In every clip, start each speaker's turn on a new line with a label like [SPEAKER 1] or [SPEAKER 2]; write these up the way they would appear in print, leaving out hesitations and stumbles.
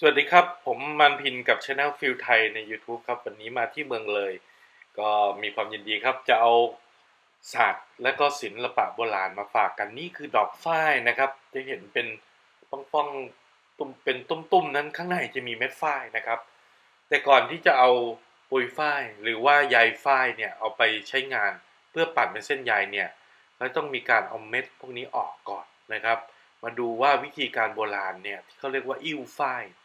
[SPEAKER 1] สวัสดีครับผมมันพินกับ Channel ฟิลไทยใน YouTube ครับวันนี้มาที่เมืองเลยก็มีความยินดีครับจะเอาศาสตร์และก็ศิลปะโบราณมาฝากกันนี่คือดอกฝ้ายนะครับจะเห็นเป็นป้องๆตุ้มเป็นตุ้มๆนั้นข้างในจะมีเม็ดฝ้ายนะครับแต่ก่อนที่จะเอาปุยฝ้ายหรือว่าใยฝ้ายเนี่ยเอาไปใช้งานเพื่อปั่นเป็นเส้นใยเนี่ยเราต้องมีการเอาเม็ดพวกนี้ออกก่อนนะครับมาดูว่าวิธีการโบราณเนี่ยที่เขาเรียกว่าอิ่วฝ้าย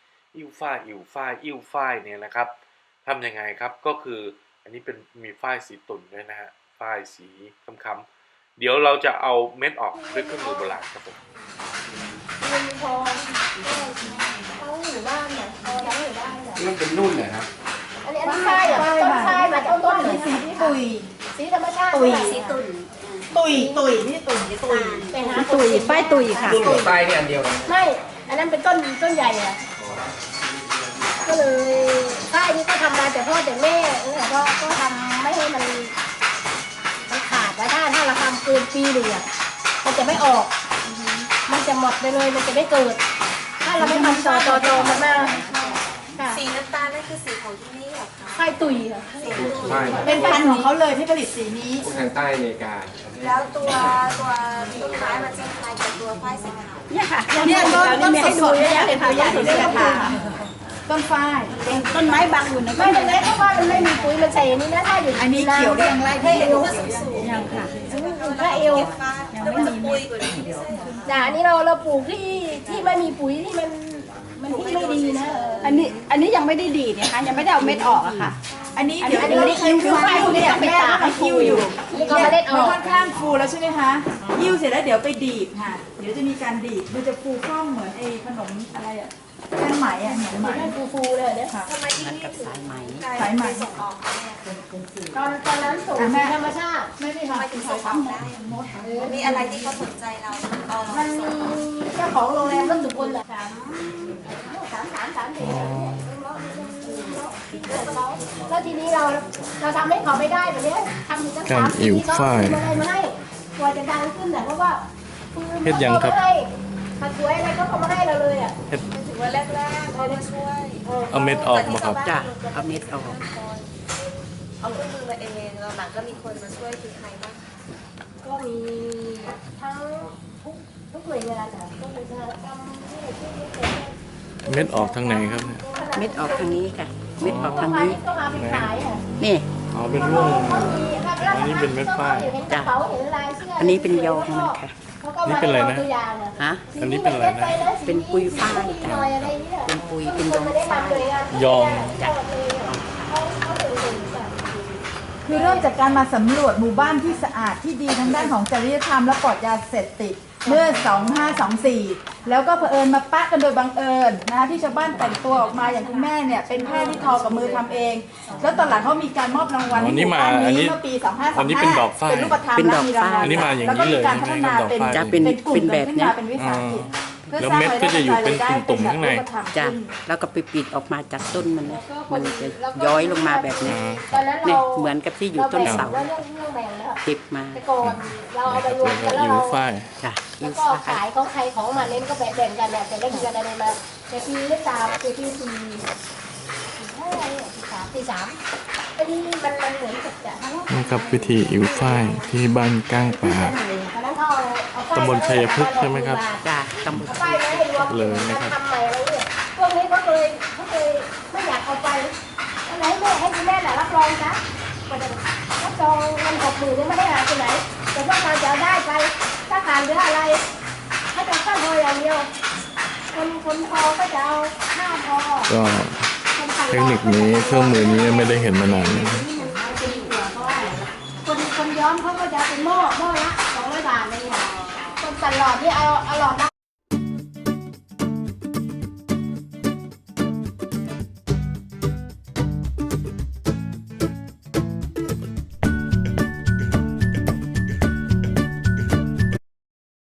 [SPEAKER 1] เนี่ยนะครับทำยังไงครับก็คืออันนี้เป็นมีฝ้ายสีตุ่นด้วยนะฮะฝ้ายสีค้ำๆเดี๋ยวเราจะเอาเม็ดออกด้วยเครื่องมือโบราณครับผม
[SPEAKER 2] พอเขาอยู่บ้านเนี่ยเขาอยู่บ้านเนี่ย
[SPEAKER 3] มันเป็นนุ่นเลยครับ
[SPEAKER 2] อันนี้ฝ้ายอ่ะต้นฝ้ายมาต้น
[SPEAKER 4] สีตุย
[SPEAKER 2] สีธรรมชาติสีตุ่น
[SPEAKER 4] นี่ตุย
[SPEAKER 2] ฝ้ายตุยค่ะ
[SPEAKER 3] นุ่นกับฝ้ายนี่อันเดียวกัน
[SPEAKER 2] ไม่อันนั้นเป็นต้นใหญ่อ่ะก็เลยฝ้ายนี่ก็ทำมาแต่พ่อแต่แม่ก็ทำไม่ให้มันขาดแล้วถ้าเราทำเกินปีหนึ่งอ่ะมันจะไม่ออกมันจะหมดไปเลยมันจะไม่เกิดถ้าเราไม่ทำต่อมันมา
[SPEAKER 5] สีน้ำตาลนั่นคือสีของที่นี่เหรอคะ
[SPEAKER 2] ฝ้ายตุยค่ะ
[SPEAKER 4] เป็นพันธุ์ของเขาเลยที่ผลิตสีนี้
[SPEAKER 3] ทางใต้อเมริกา
[SPEAKER 5] แล้วตัวต้นไม้มันจะคล้ายกับตัวฝ้ายสีขาว
[SPEAKER 4] เนี่ยค่ะเนี่ยต้นสดๆเนี่ยเป็นตัวอย่างที่ได้ราคาต้นฝ้ายต้นไม้บางอยู่ใน
[SPEAKER 2] ไม่เป็นไรเพราะว่ามันไม่มีปุ๋ยมันใส่อันนี้นะถ้าอยู่
[SPEAKER 4] อันนี้เขียวเรียงไล่ที่
[SPEAKER 5] เอว
[SPEAKER 4] ยังค่ะ
[SPEAKER 2] ถ้าเอว
[SPEAKER 5] แล้วมันจะปุยกว่านี้
[SPEAKER 2] อันนี้เราปลูกที่ไม่มีปุ๋ยที่มันที่ไม่ดีนะ
[SPEAKER 4] อันนี้ยังไม่ได้ดีเนี่ยค่ะยังไม่ได้เอาเม็ดออกอะค่ะอันนี้เดี๋ยวคิ้วฝ้ายพวกนี้ไปตากให้คิ้วอยู่เนี่ยค่อนข้างฟูแล้วใช่ไหมคะยิ้วเสร็จแล้วเดี๋ยวไปดีบค่ะเดี๋ยวจะมีการดีบมันจะฟูคล่องเหมือนไอ้ขนมอะไรอะแป้งไหมอะเหมือนไหม
[SPEAKER 2] ฟูเลยเนี่ย
[SPEAKER 5] ทำไมที่นี่ถึง
[SPEAKER 4] สายไหม
[SPEAKER 5] ส่งออก
[SPEAKER 2] ตอนนั้นส่งธรรมชาติ
[SPEAKER 4] ไม่ได้ค่ะ
[SPEAKER 5] ถึงส่งออกได้มีอะไรที่เขาสนใจเรา
[SPEAKER 2] มันมีเจ้าของโรงแรมรถสุพลแหละ3แล้วทีนี้เราทำให้เขาไม่ได้แบบนี้ทำกัน3 ปีเขาอะไรมาให้กว่าจะดังขึ้นแต่เพราะว่า
[SPEAKER 1] เฮ็ดยังครับ
[SPEAKER 2] ผัดสวยอะไรก็เขามาให้เราเลยอ่ะ
[SPEAKER 5] ถือว่าแรกๆเขามาช่วย
[SPEAKER 1] เอาเม็ดออกมาครับ
[SPEAKER 4] จ้ะเอาเม็ดออก
[SPEAKER 5] เอาเครื่องมือมาเองเราหลังก็มีคนมาช่วยคือใครบ้าง
[SPEAKER 2] ก็มีทั้งทุกหน่วยงานอ่ะก็มีงานกรรม
[SPEAKER 1] เม็ดออกทางไหนครับเนี่ย
[SPEAKER 4] เม็ดออกทางนี้ค่ะเม็ดออกทางนี้นี่
[SPEAKER 1] อ๋อเป็นร่วงอันนี้เป็นเม็ดฝ้าย
[SPEAKER 4] จ้ะอันนี้เป็นยองมันค่ะ
[SPEAKER 1] นี่เป็นอะไรนะ
[SPEAKER 4] ฮะ
[SPEAKER 1] อันนี้เป็นอะไรนะ
[SPEAKER 4] เป็นปุยฝ้ายจ้ะเป็นปุยเป็นยองฝ้าย
[SPEAKER 1] ยอง
[SPEAKER 4] จ้ะคือเริ่มจากการมาสำรวจหมู่บ้านที่สะอาดที่ดีทั้งด้านของจริยธรรมและปลอดยาเสพติดเมื่อ 2524 แล้วก็เผอิญมาปะกันโดยบังเอิญนะที่ชาวบ้านแต่งตัวออกมาอย่างคุณแม่เนี่ยเป็นแพทย์ที่ทอกับมือทำเองแล้วตอนหลังเขามีการมอบรางวัล
[SPEAKER 1] ให้หมู่บ้านนี้เมื่อปี 2535
[SPEAKER 4] อันนี้เป็นดอกฝ้าย
[SPEAKER 1] เป็นรูปธรรมและมีรางวัล
[SPEAKER 4] อันนี้มาอย่างนี้เลย
[SPEAKER 1] แล้วก็มีการพัฒนา
[SPEAKER 4] เป็นกลุ่มแบบนี้
[SPEAKER 1] เป็นวิสาหกิจแล้วเม็ดก็จะอยู่เป็นตุ่มๆข้างใน
[SPEAKER 4] จ้ะแล้วก็ไปปิดออกมาจากต้นมันนะมันจะย้อยลงมาแบบนี้เนี่ยเหมือนกับที่อยู่ต้นเสาเก็บมา
[SPEAKER 2] เราเอาไปรวมกันแล้วเรา
[SPEAKER 4] จ้ะ
[SPEAKER 2] แล้วก็ขายของใครของมันเล่นก็แบ่งกันเนี่ยแต่เล่นกันอะไรมาแต่ปีเล่นตามปี4 อันนี้มันเหมือนกับจะ
[SPEAKER 1] นี่ครับวิธีอิ่วฝ้ายที่บ้านก้างป่าตำบลชัยพฤกษ์ใช่ไหมครับ
[SPEAKER 4] จ้ะตำบล
[SPEAKER 1] เลยนะครับ
[SPEAKER 2] พวกนี้เขาเคยไม่อยากเอาไปอะไรแม่ให้คุณแม่น่ะรับรองนะรับรองมัน60,000เนี่ยไม่ได้หายไปไหนแต่ว่าเราจะได้ไปถ้าขาดหรืออะไรถ้าจะตั้งพออย่างเดียวคนพอก็จะเอาหน้าพอ
[SPEAKER 1] ก็เทคนิคนี้เครื่องมือนี้ไม่ได้เห็นมานาน
[SPEAKER 2] คนย้อมเขาก็จะเป็นหม้อละ200 บาทเลยคนตัดหลอดที่เอาหลอด